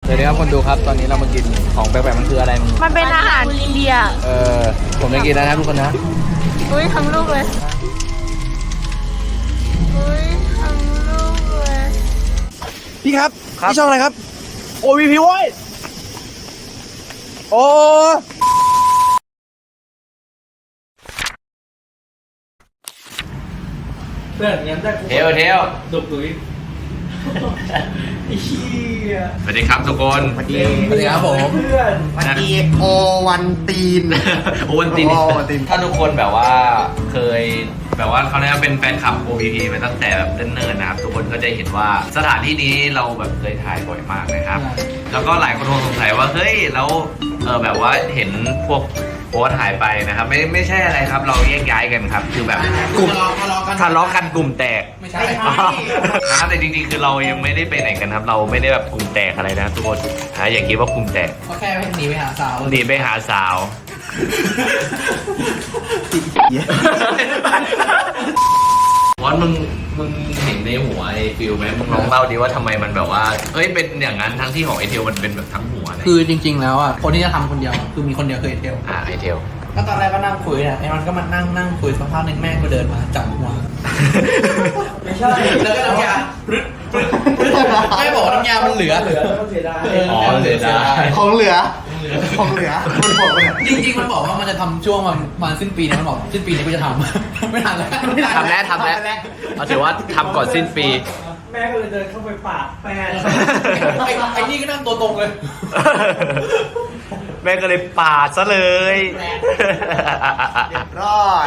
เดี๋ยวนี้ครับคนดูครับตอนนี้เรามากินของแปลกๆมันคืออะไรมึงมันเป็นอาหารอินเดียผมจะกินนะครับทุกคนนะอุ้ยทั้งลูกเลยอุ้ยทั้งลูกเลยพี่ครับพี่ช่องอะไรครับโอวีพีโว้ยโอ้เพื่อนงั้นได้เทวดุกดุยสวัสดีครับทุกคนสวัสดีครับผมวันดีโอวันตีนโอวันตีนถ้าทุกคนแบบว่าเคยแบบว่าเขาเรียกว่าเป็นแฟนคลับ OVP มาตั้งแต่แบบเนิ่นๆนะครับทุกคนก็จะเห็นว่าสถานที่นี้เราแบบเคยถ่ายบ่อยมากนะครับแล้วก็หลายคนคงสงสัยว่าเฮ้ยแล้วแบบว่าเห็นพวกโพสต์หายไปนะครับไม่ใช่อะไรครับเราแยกย้ายกันครับคือแบบกลุ่มทะเลาะกันกลุ่มแตกไม่ใช่นะครับแต่จริงๆคือเรายังไม่ได้ไปไหนกันครับเราไม่ได้แบบกลุ่มแตกอะไรนะทุกคนอย่าคิดว่ากลุ่มแตกเขาแค่หนีไปหาสาววอนมึงเห็นในหัวไอ้ฟิลไหมมึงลองเล่าดิว่าทำไมมันแบบว่าเอ้ยเป็นอย่างนั้นทั้งที่ของไอเทลมันเป็นแบบทั้งหัวเลยคือจริงๆแล้วอ่ะคนที่จะทำคนเดียวคือมีคนเดียวคือไอเทลไอเทลก็ตอนแรกก็นั่งคุยนะไอ้มันก็มานั่งคุยสักพักนึงแม่ก็เดินมาจับหัวไม่ใช่แล้วก็น้ำยาแม่บอกว่าน้ำยามันเหลืออ๋อเหลือได้ของเหลือมันบอกว่าจริงๆมันบอกว่ามันจะทำช่วงมันสิ้นปีนะมันบอกสิ้นปีนี้กูจะทำไม่ทันแล้วทำแล้วเอาถือว่าทำก่อนสิ้นปีแม่ก็เลยเดินเข้าไปปาดแฟนไอ้นี่ก็นั่งตัวตรงเลยแม่ก็เลยปาดซะเลยร้อย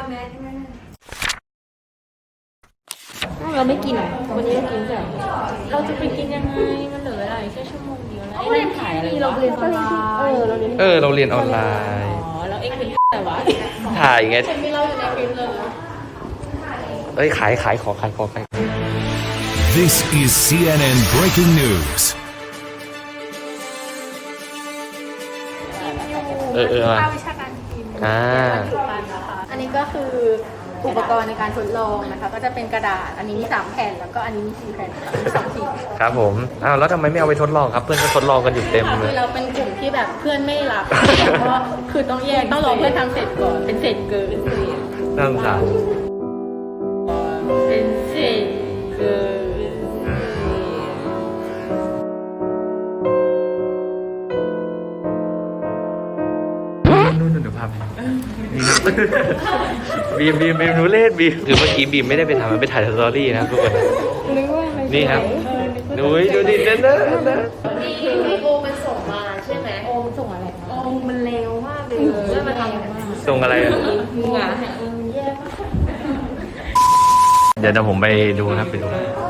เราไม่กินวันนี้เรากินแต่เราจะไปกินยังไงมันเหลืออะไรแค่ชั่วโมงเดียวแล้วไอ้ถ่ายอะไรเราเรียนออนไลน์เราเรียนออนไลน์แล้วเอ็งเป็นแต่ว่าถ่ายไงฉันไม่เล่าอยู่ในคลิปเลยขายขอ This is CNN Breaking News. ภาควิชาการกินอันนี้ก็คืออุปกรณ์ในการทดลองนะคะก็จะเป็นกระดาษอันนี้มี3แผ่นแล้วก็อันนี้มี4แผ่นมี2สีครับผมแล้วทำไมไม่เอาไปทดลองครับเพื่อนก็ทดลองกันอยู่เต็มเลยคือเราเป็นกลุ่มที่แบบเพื่อนไม่รับเพราะคือต้องแยกต้องรอเพื่อนทำเสร็จก่อนเป็นเศษเกินน่าสงสารเป็นเศษเกินนู่นดูภาพนี่ครับบีมหนูเล่นบีมคือเมื่อกี้บีมไม่ได้ไปทำมันไปถ่ายสตอรี่นะครับทุกคนนี่ครับดูดิเด้อโอมันส่งมาใช่ไหมโอมันส่งอะไรโอมันเร็วมากเลยแล้วมันทำส่งอะไรมึงอ่ะแย่มากเดี๋ยวผมไปดูครับไปดู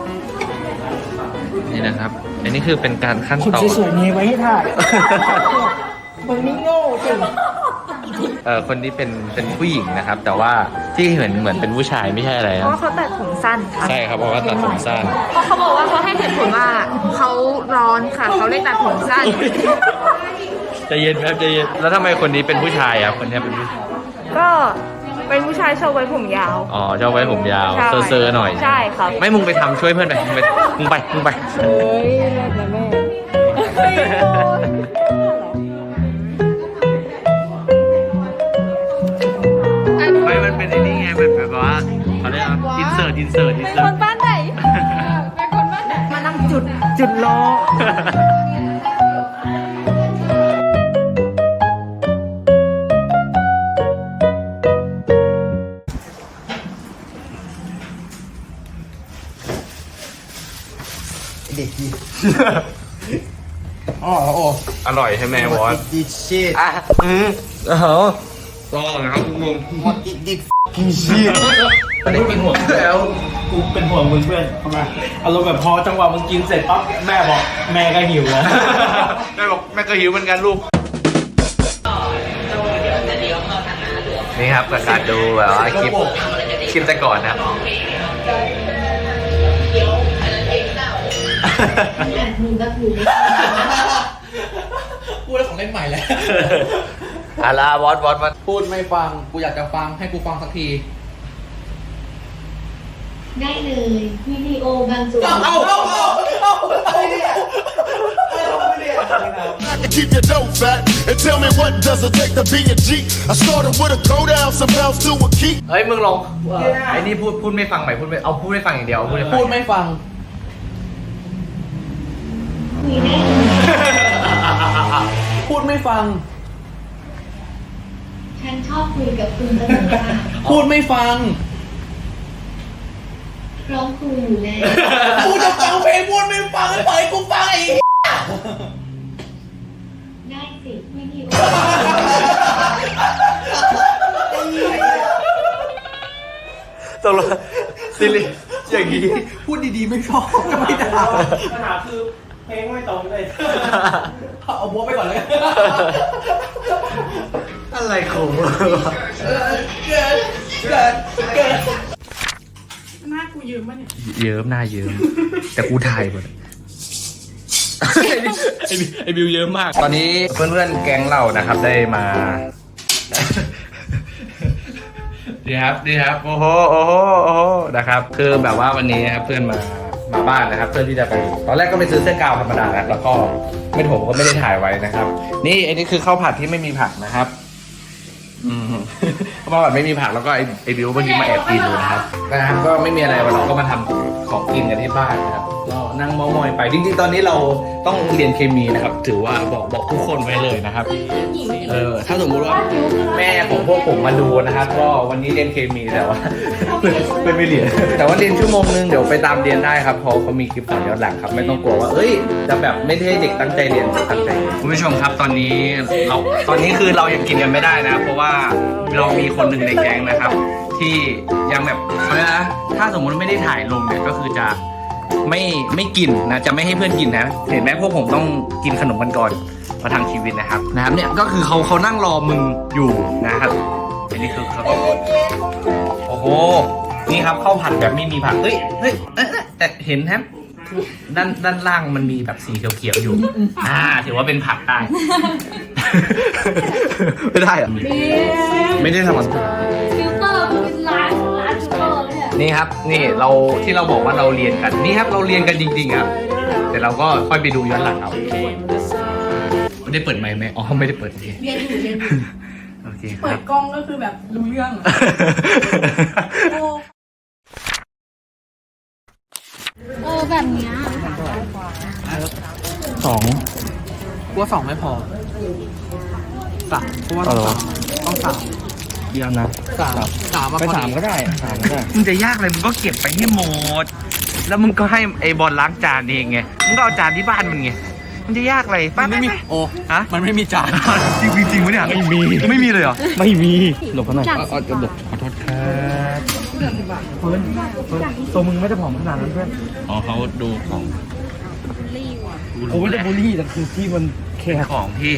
นี่นะครับอันนี้คือเป็นการขั้นตอนสวยๆนี้ไว้ให้ถ่ายมึงนี่โง่จริงคนนี้เป็นผู้หญิงนะครับแต่ว่าที่เหมือนเป็นผู้ชายไม่ใช่อะไรเพราะเขาตัดผมสั้นค่ะใช่ครับเพราะว่าตัดผมสั้นเพราะเขาบอกว่าเขาให้เหตุผลว่าเขาร้อนค่ะเขาเลยตัดผมสั้นใจเย็นครับใจเย็นแล้วทำไมคนนี้เป็นผู้ชายอ่ะคนนี้เป็นผู้ก็เป็นผู้ชายชอบไว้ผมยาวชอบไว้ผมยาวเซอร์หน่อยใช่ครับไม่มึงไปทำช่วยเพื่อนไปมึงไปเฮ้ยนะแม่ไม่มันเป็นไอ้นี่ไงมันแบบว่าเขาเรียกว่าอินเสิร์ตเป็นคนบ้านไหนมานั่งจุดรอเด็กดีอร่อยใช่ไหมวอนดิชิตลองนะครับคุณลุงดิกินชีตแต่ได้กินหัวแล้วกูเป็นห่วงมึงเพื่อนทำไมอารมณ์แบบพอจังหวะมึงกินเสร็จปั๊บแม่บอกแม่ก็หิวแล้วแม่ก็หิวเหมือนกันลูกนี่ครับประกาศดูแบบว่าคลิปแต่ก่อนนะพูดแล้วของเล่นใหม่แล้ววอดพูดไม่ฟังกูอยากจะฟังให้กูฟังสักทีได้เลยวิดีโอบางส่วนอะไรเนี่ย Keep your dough fat and tell me what does it take to be a G. I started with a go down, some bounce to a key. เฮ้ยมึงลองไอ้นี่พูดไม่ฟังใหม่พูดไม่ฟังอย่างเดียวพูดพูดไม่ฟัง พูดไม่ฟังฉันชอบคุยกับคุณตลอดค่ะพูดไม่ฟังร้องคุยอยู่แล้วกูจะฟังเพลงพูดไม่ฟังให้ปล่อยกูฟังไอ้ได้สิไม่มีตกลงซิลิอย่างนี้พูดดีๆไม่ชอบก็ไม่ได้ปัญหาคือเพลงไม่ตรงเลยเอาบัวไปก่อนเลยอะไรของมึงเกิดหน้ากูยืมป่ะเนี่ยเยิ้มหน้าเยิ้มแต่กูถ่ายหมดไอ้บิวเยอะมาก ตอนนี้เพื่อนๆแก๊งเรานะครับได้มาดีครับโอ้โหนะครับคือแบบว่าวันนี้ครับเพื่อนมาบ้านนะครับเพื่อที่จะไปตอนแรกก็ไปซื้อเสื้อกาวธรรมดาแล้วก็ผมก็ไม่ได้ถ่ายไว้นะครับนี่อันนี้คือข้าวผัดที่ไม่มีผักนะครับข้าวผัดไม่มีผักแล้วก็ไอ้บิวเมื่อกี้มาแอบกินดูนะครับก็ไม่มีอะไรวันเราก็มาทำของกินกันที่บ้านนะครับก็นั่งเมามอยไปจริงๆตอนนี้เราต้องเรียนเคมีนะครับถือว่าบอกทุกคนไว้เลยนะครับถ้าสมมุติว่าแม่ของพวกผมมาดูนะครับก็วันนี้เรียนเคมีแต่ว่าไม่เรียนแต่ว่าเรียนชั่วโมงนึงเดี๋ยวไปตามเรียนได้ครับเพราะเขามีคลิปสอนย้อนหลังครับไม่ต้องกลัวว่าจะแบบไม่ให้เด็กตั้งใจเรียนตั้งใจคุณผู้ชมครับตอนนี้คือเรายังกินกันไม่ได้นะเพราะว่าเรามีคนหนึ่งในแก๊งนะครับที่ยังแบบถ้าสมมุติไม่ได้ถ่ายลงเนี่ยก็คือจะไม่กินนะจะไม่ให้เพื่อนกินนะเห็นไหมพวกผมต้องกินขนมกันก่อนมาทางชีวิตนะครับเนี่ยก็คือเขานั่งรอมึงอยู่นะครับอันนี้คือเขาโอ้โหนี่ครับข้าวผัดแบบไม่มีผักแต่เห็นครับด้านล่างมันมีแบบสีเขียวๆอยู่ถือว่าเป็นผักได้ ไม่ได้เหรอไม่ได้ทำมันฟิลเตอร์เป็นร้านฟิลเตอร์เนี่ยนี่ครับนี่ที่เราบอกว่าเราเรียนกันนี่ครับเราเรียนกันจริงๆครับแต่เราก็ค่อยไปดูย้อนหลังเอาไม่ได้เปิดไมค์ไหมอ๋อไม่ได้เปิดโอเคเรียนอยู่โอเคคเปิรัดบกล้องก็คือแบบรู้เรื่องแบบเนี้ยกูว่า2ไม่พอ3กูว่าต้อง3 เยี่ยมนะ 3มาไปพอ 3ก็ได้มึงจะยากเลยมึงก็เก็บไปให้หมดแล้วมึงก็ให้ไอ้บอลล้างจานเองไงมึงก็เอาจานที่บ้านมึงไงมันจะยากอะไรป้าไม่มีโอ้มันไม่มีจานจริงๆวะเนี่ยไม่มีเลยเหรอไม่มีหลบเขาหน่อยจะหลบขอโทษครับตัวมึงไม่ได้ผอมขนาดนั้นเพื่อนอ๋อเขาดูของโอ้ไม่ได้บูลลี่แต่คือที่มันแค่ของพี่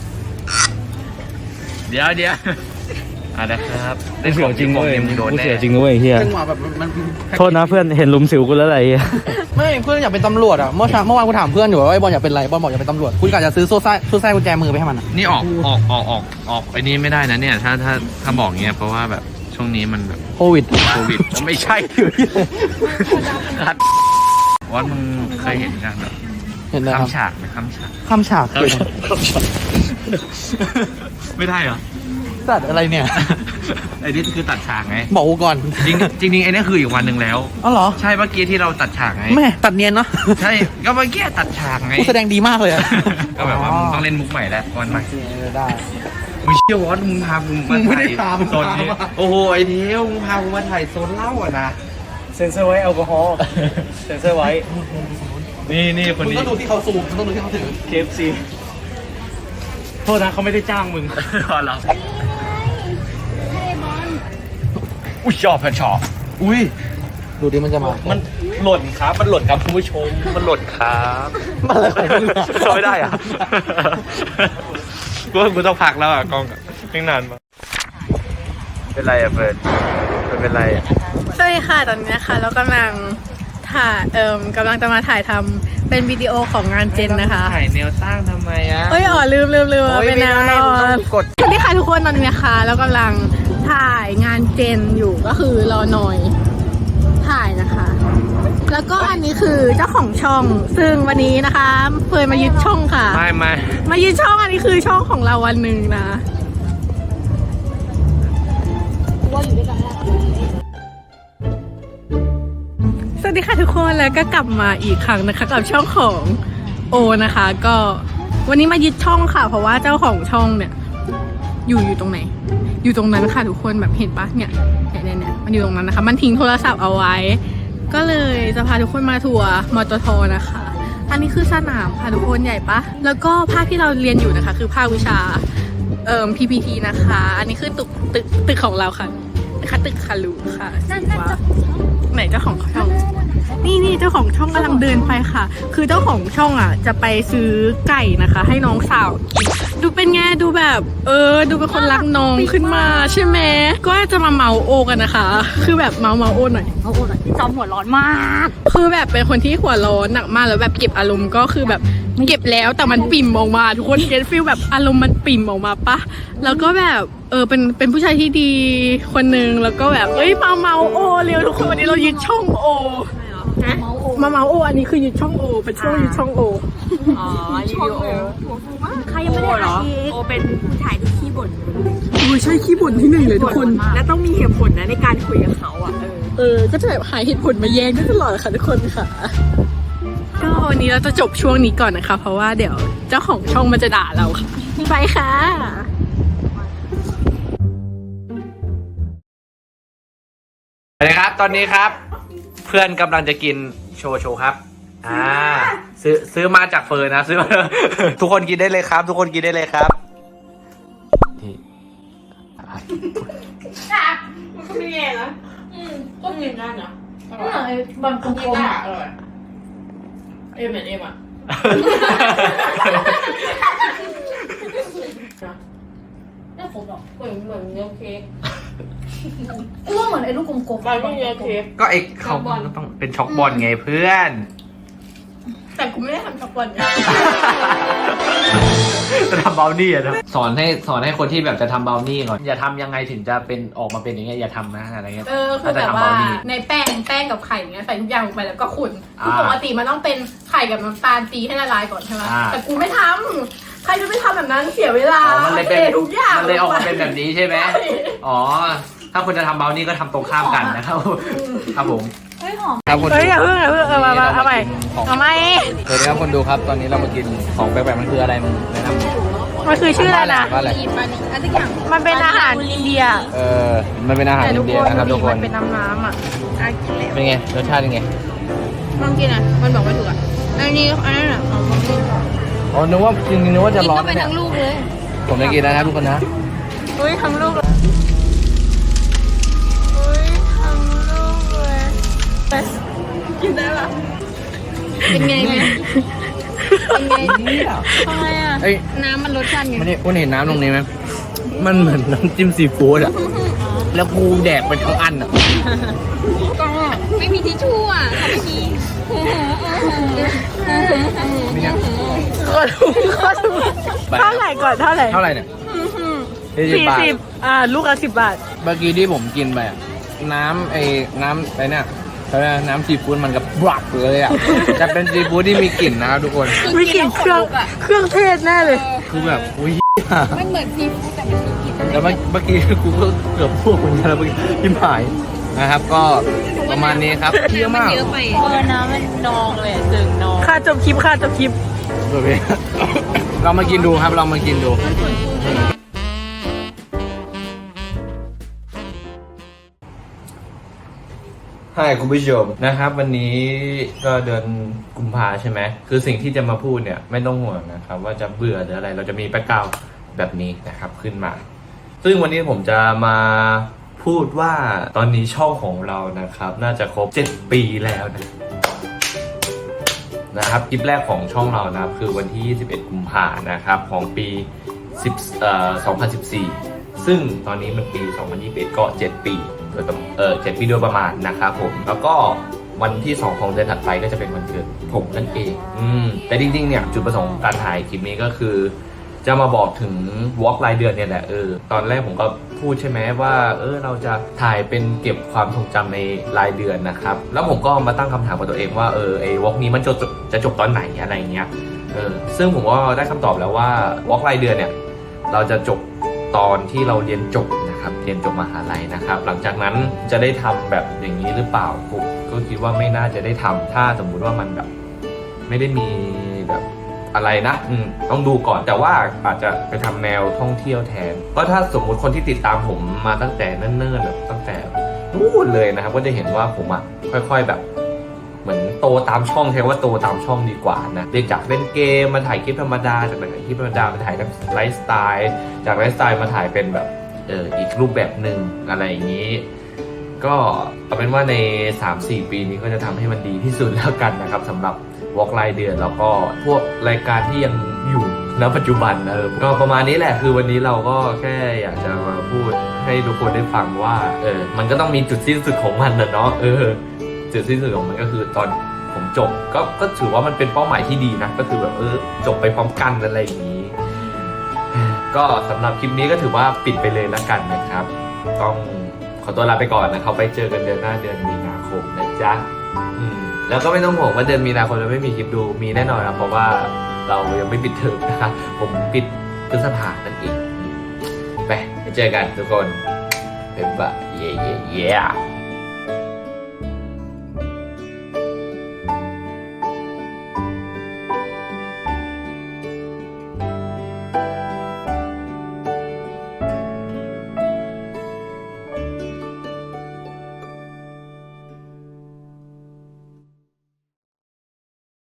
เดี๋ยวนะครับได้เสียวจริงเว้ยกูเสียวจริงเว้ยเฮียจังหวะแบบมันโทษนะเพื่อนเห็นลุมสิวกูแล้วอะไรเฮียไม่เพื่อนอยากเป็นตำรวจอ่ะเมื่อวานกูถามเพื่อนอยู่ว่าไอ้บอลอยากเป็นอะไรบอลบอกอยากเป็นตำรวจกูกะจะซื้อโซ่ไส้กุญแจมือไปให้มันอ่ะนี่ออกไอ้นี่ไม่ได้นะเนี่ยถ้าบอกเงี้ยเพราะว่าแบบช่วงนี้มันแบบโควิดไม่ใช่วัดมึงเคยเห็นกันแบบเห็นไหมครับคำฉากไหมคำฉากข้ามฉากคือไม่ได้เหรอตัดอะไรเนี่ยไอ้นี่คือตัดฉากไงบอกกูก่อนจริงไอ้นี่คืออีกวันหนึ่งแล้วอ๋อเหรอใช่เมื่อกี้ที่เราตัดฉากไงแม่ตัดเนียนเนาะใช่ก็เมื่อกี้ตัดฉากไงกูแสดงดีมากเลยอะก็แบบว่ามึงต้องเล่นมุกใหม่แล้ววันใหม่ได้มึงเชื่อวอสมึงพามึงมามึงไม่ได้ถ่ายพามึงโซนนี้พามาโอ้โหไอ้เทียวมึงพากูมาถ่ายโซนเหล้าอ่ะนะเซ็นเซอร์ไว้แอลกอฮอล์เซ็นเซอร์ไว้นี่คนมึงนี้ต้องดูที่เขาซูมมึงต้องดูที่เขาถือ KFC โทษนะเขาไม่ได้จ้างมึงเหรออุ้ยชอบอุ้ยดูดิมันจะมามันหล่นครับคุณผู้ชมมันหล่นครับมันอะไรของมึงอะไม่ได้อ่ะกูต้องพักแล้วอ่ะกล้องไม่นานมาเป็นไรอ่ะเฟิร์นเป็นไรอ่ะสวัสดีค่ะตอนนี้นะคะเรากำลังกำลังจะมาถ่ายทำเป็นวิดีโอของงานเจนนะคะถ่ายแนวตั้งทำไมอ่ะลืมเป็นแนวนอนสวัสดีค่ะทุกคนตอนนี้นะคะเรากำลังถ่ายงานเจนอยู่ก็คือรอหน่อยถ่ายนะคะแล้วก็อันนี้คือเจ้าของช่อง ซึ่งวันนี้นะคะเฟยมายึดช่องค่ะไม่มายึดช่องอันนี้คือช่องของเราวันหนึ่งนะสวัสดีค่ะทุกคนแล้วก็กลับมาอีกครั้งนะคะกับช่องของโอนะคะ ก็วันนี้มายึดช่องค่ะ เพราะว่าเจ้าของช่องเนี่ยอยู่ตรงไหน อยู่ตรงนั้นค่ะทุกคนแบบเห็นปะเนี่ยมันอยู่ตรงนั้นนะคะ มันทิ้งโทรศัพท์เอาไว้ ก็เลยจะพาทุกคนมาทัวร์มตทนะคะ อันนี้คือสนามค่ะทุกคนใหญ่ปะแล้วก็ภาคที่เราเรียนอยู่นะคะ คือภาควิชาPPT นะคะ อันนี้คือตึกของเราค่ะนะคะตึกคารุค่ะไหนเจ้าของช่องนี่เจ้าของช่องกำลังเดินไปค่ะ คือเจ้าของช่องอ่ะจะไปซื้อไก่นะคะ ให้น้องสาวกินดูเป็นไงดูแบบดูเป็นคนรักน้องขึ้นมาใช่ไหมก็จะมาเมาโอกันนะคะ คือแบบเมาโอหน่อยจอมหัวร้อนมากคือแบบเป็นคนที่หัวร้อนหนักมากแล้วแบบเก็บอารมณ์ก็คือแบบเก็บแล้วแต่มันปิ่มออกมาทุกคนเก็ตฟีลแบบอารมณ์มันปิ่มออกมาปะแล้วก็แบบเป็นผู้ชายที่ดีคนนึงแล้วก็แบบมาเมาโอเร็วทุกคนวันนี้เรายึดช่องโอมาเมาโออันนี้คือยึดช่องโอเป็นช่วงยึดช่องโอรีวิวโอใครยังไม่ได้เหรอโอเป็นผู้ชายที่ขี้บ่นใช่ขี้บ่นที่หนึ่งเลยทุกคนและต้องมีเหตุผลนะในการคุยกับเขาอ่ะก็จะแบบหาเหตุผลมาแย้งได้ตลอดค่ะทุกคนค่ะก็วันนี้เราจะจบช่วงนี้ก่อนนะคะเพราะว่าเดี๋ยวเจ้าของช่องมันจะด่าเราค่ะไปค่ะสวัสดีครับตอนนี้ครับเพื่อนกำลังจะกินโชว์ครับซื้อมาจากเฟิร์นนะซื้อมา ทุกคนกินได้เลยครับ ทุกคนกินได้เลยครับนี่มันก็ไม่แย่นะก็กินได้นะบางคนกินได้อร่อยเอ็มอ่ะไม่ขมหรอกเหมือนเนื้อเค้กก็เหมือนไอ้ลูกกลมๆไปก็เนื้อเค้กก็ไอ้เขาต้องเป็นช็อกบอลไงเพื่อนแต่กูไม่ได้ทำช็อกบอลจะทำเบลนี่อะนะสอนให้คนที่แบบจะทำเบลนี่ก่อนอย่าทำยังไงถึงจะเป็นออกมาเป็นอย่างเงี้ยอย่าทำนะอะไรเงี้ยคือแบบว่าในแป้งกับไข่เงี้ยใส่ทุกอย่างลงไปแล้วก็ขุ่นคือปกติมันต้องเป็นไข่กับน้ำตาลตีให้ละลายก่อนใช่ไหมแต่กูไม่ทำใครจะไม่ทำแบบนั้นเสียเวลามันเลยเป็นทุกอย่างมันเลยออกมาเป็นแบบนี้ใช่ไหมอ๋อถ้าคุณจะทำเบลนี่ก็ทำตรงข้ามกันนะครับครับผมครับคนดูอย่าเพิ่งมาเอาใหม่สวัสดีครับคนดูครับตอนนี้เรามากินของแปลกๆมันคืออะไรมึงแนะนำมันคือชื่ออะไรนะมันเป็นอาหารอินเดียมันเป็นอาหารอินเดียนะครับทุกคนมันเป็นน้ำอ่ะเป็นไงรสชาติเป็นไงลองกินอ่ะมันบอกไม่ถูกอ่ะอันนั้นอ่ะอ๋อนึกว่าจริงนึกว่าจะร้อนเนี่ยทั้งลูกเลยผมจะกินนะครับทุกคนนะทั้งลูกกินได้ปะเป็นไงไหมเป็นไงทำไมอ่ะน้ำมันรสชาติไงไม่ได้คุณเห็นน้ำตรงนี้ไหมมันเหมือนน้ำจิ้มซีฟู้ดอ่ะแล้วกูแดกไปทั้งอันอ่ะไม่มีทิชชู่อ่ะทำไม่ดีก็ถูกเท่าไหร่ก่อนเท่าไหร่เนี่ย 40ลูกละ10 บาทเมื่อกี้ที่ผมกินไปน้ำอะไรเนี่ยเขาเรียกน้ำซีฟู้ดมันกับบลักเลยอ่ะจะเป็นซีฟู้ดที่มีกลิ่นนะครับทุกคนมีกลิ่นเครื่องเทศแน่เลยคือแบบอุ้ยมันเหมือนซีฟู้ดแต่มันมีกลิ่นแต่เมื่อกี้กูก็เกือบพูดคนเดียวแล้วยิ้มหายนะครับก็ประมาณนี้ครับเยอะมากน้ำมันนองเลยจึงนองค่าจบคลิปเรามากินดูครับเรามากินดูใช่คุณผู้ชมนะครับวันนี้ก็เดือนกุมภาใช่ไหมคือสิ่งที่จะมาพูดเนี่ยไม่ต้องห่วงนะครับว่าจะเบื่อหรืออะไรเราจะมีแบ็คกราวด์แบบนี้นะครับขึ้นมาซึ่งวันนี้ผมจะมาพูดว่าตอนนี้ช่องของเรานะครับน่าจะครบ7 ปีแล้วนะครับคลิปแรกของช่องเรานะครับคือวันที่21 กุมภานะครับของปี2014ซึ่งตอนนี้มันปี2021ก็7 ปี7 ปีโดยประมาณนะครับผมแล้วก็วันที่2ของเดือนถัดไปก็จะเป็นวันเกิดผมนั่นเองแต่จริงๆเนี่ยจุดประสงค์การถ่ายคลิปนี้ก็คือจะมาบอกถึงวอล์กรายเดือนเนี่ยแหละตอนแรกผมก็พูดใช่ไหมว่าเราจะถ่ายเป็นเก็บความทรงจำในรายเดือนนะครับแล้วผมก็มาตั้งคำถามกับตัวเองว่าไอ้วอล์กนี้มันจะจบตอนไหนอะไรเงี้ยซึ่งผมก็ได้คำตอบแล้วว่าวอล์กรายเดือนเนี่ยเราจะจบตอนที่เราเรียนจบนะครับเรียนจบมหาลัยนะครับหลังจากนั้นจะได้ทำแบบอย่างนี้หรือเปล่าผมก็คิดว่าไม่น่าจะได้ทำถ้าสมมุติว่ามันแบบไม่ได้มีแบบอะไรนะต้องดูก่อนแต่ว่าอาจจะไปทำแนวท่องเที่ยวแทนก็ถ้าสมมุติคนที่ติดตามผมมาตั้งแต่เนิ่นๆแบบตั้งแต่นู่นเลยนะครับก็จะเห็นว่าผมค่อยๆแบบเหมือนโตตามช่องใช้ว่าโตตามช่องดีกว่านะเรียกจากเล่นเกมมาถ่ายคลิปธรรมดาจากถ่ายคลิปธรรมดามาถ่ายไลฟ์สไตล์จากไลฟ์สไตล์มาถ่ายเป็นแบบอีกรูปแบบหนึ่งอะไรอย่างนี้ก็เอาเป็นว่าใน 3-4 ปีนี้ก็จะทำให้มันดีที่สุดแล้วกันนะครับสำหรับวอล์กรายเดือนแล้วก็พวกรายการที่ยังอยู่ณปัจจุบันก็ประมาณนี้แหละคือวันนี้เราก็แค่อยากจะมาพูดให้ทุกคนได้ฟังว่ามันก็ต้องมีจุดสิ้นสุดของมันนะเนาะจุดสิ้นสุดของมันก็คือตอนผมจบก็ถือว่ามันเป็นเป้าหมายที่ดีนะก็คือแบบจบไปพร้อมกันอะไรอย่างนี้ก็สำหรับคลิปนี้ก็ถือว่าปิดไปเลยแล้วกันนะครับต้องขอตัวลาไปก่อนนะครับไปเจอกันเดือนหน้าเดือนมีนาคมนะจ๊ะแล้วก็ไม่ต้องห่วงว่าเดือนมีนาคมจะไม่มีคลิปดูมีแน่นอนครับเพราะว่าเรายังไม่ปิดเทอมนะครับผมปิดพฤษภานั่นเองไปเจอกันทุกคนบ๊ายบายเย้